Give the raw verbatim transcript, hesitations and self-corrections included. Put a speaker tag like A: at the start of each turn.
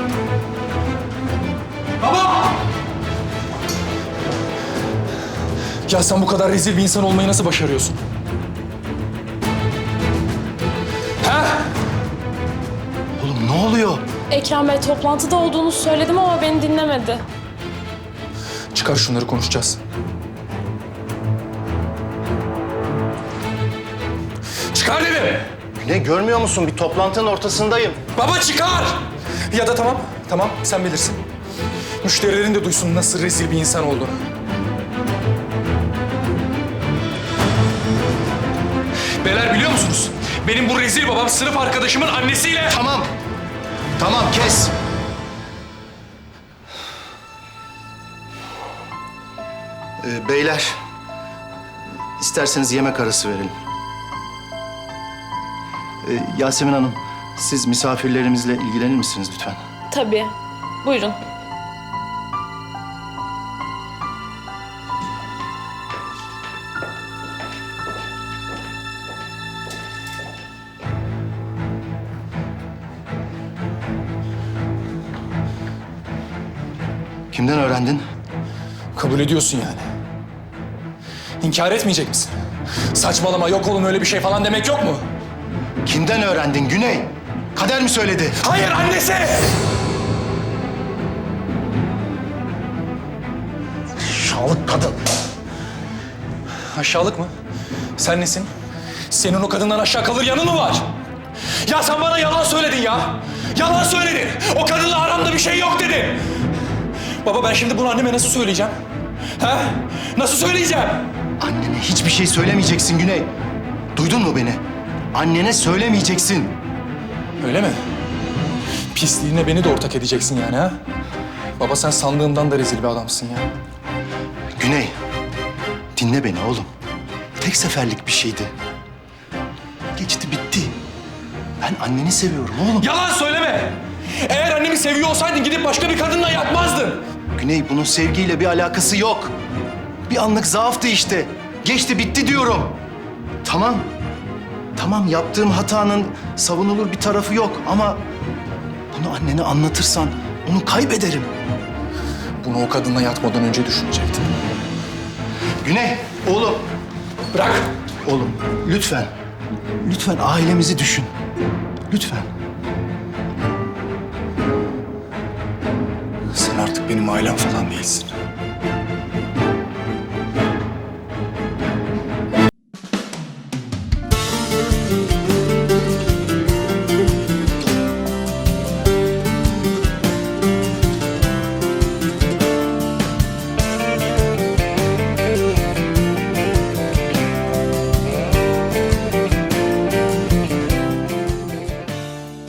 A: Baba! Ya sen bu kadar rezil bir insan olmayı nasıl başarıyorsun? He?
B: Oğlum ne oluyor?
C: Ekrem Bey toplantıda olduğunu söyledim ama beni dinlemedi.
A: Çıkar şunları konuşacağız. Çıkar dedim!
B: Ne görmüyor musun? Bir toplantının ortasındayım.
A: Baba çıkar! Ya da tamam, tamam sen bilirsin. Müşterilerin de duysun nasıl rezil bir insan olduğunu. Beyler biliyor musunuz? Benim bu rezil babam sınıf arkadaşımın annesiyle...
B: Tamam. Tamam kes. Ee, beyler, isterseniz yemek arası verelim. Ee, Yasemin Hanım, siz misafirlerimizle ilgilenir misiniz lütfen?
C: Tabii. Buyurun.
B: Kimden öğrendin?
A: Kabul ediyorsun yani. İnkar etmeyecek misin? Saçmalama, yok oğlum öyle bir şey falan demek yok mu?
B: Kimden öğrendin Güney? Kader mi söyledi?
A: Hayır, annesi!
B: Aşağılık kadın.
A: Aşağılık mı? Sen nesin? Senin o kadından aşağı kalır yanın mı var? Ya sen bana yalan söyledin ya! Yalan söyledin! O kadınla aramda bir şey yok dedin! Baba ben şimdi bunu anneme nasıl söyleyeceğim? Ha? Nasıl söyleyeceğim?
B: Annene hiçbir şey söylemeyeceksin Güney. Duydun mu beni? Annene söylemeyeceksin.
A: Öyle mi? Pisliğine beni de ortak edeceksin yani ha? Baba sen sandığımdan da rezil bir adamsın ya.
B: Güney, dinle beni oğlum. Tek seferlik bir şeydi. Geçti bitti. Ben anneni seviyorum oğlum.
A: Yalan söyleme! Eğer annemi seviyor olsaydın gidip başka bir kadınla yatmazdın.
B: Güney, bunun sevgiyle bir alakası yok. Bir anlık zaaftı işte. Geçti bitti diyorum. Tamam. Tamam, yaptığım hatanın savunulur bir tarafı yok ama... bunu annene anlatırsan onu kaybederim.
A: Bunu o kadınla yatmadan önce düşünecektin.
B: Güney, oğlum.
A: Bırak!
B: Oğlum, lütfen. Lütfen ailemizi düşün. Lütfen.
A: Sen artık benim ailem falan değilsin.